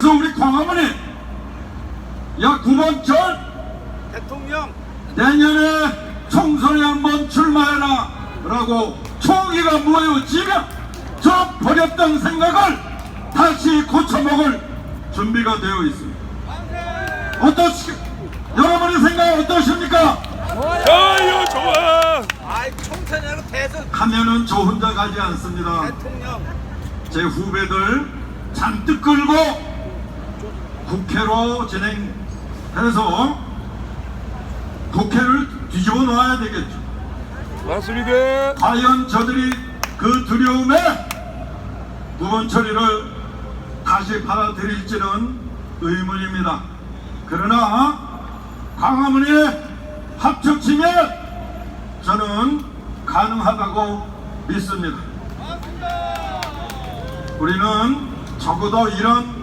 그래서 우리 광화문에 약 9번 전 대통령 내년에 총선에 한번 출마해라 라고 총기가 모여지면 저 버렸던 생각을 다시 고쳐먹을 준비가 되어 있습니다. 여러분의 생각 어떠십니까? 좋아요, 좋아. 아이 총선이라고 대선 가면은 저 혼자 가지 않습니다. 대통령 제 후배들 잔뜩 끌고 국회로 진행해서 국회를 뒤집어 놓아야 되겠죠. 맞습니다. 과연 저들이 그 두려움에 두번 처리를 다시 받아들일지는 의문입니다. 그러나 광화문에 합쳐지면 저는 가능하다고 믿습니다. 우리는 적어도 이런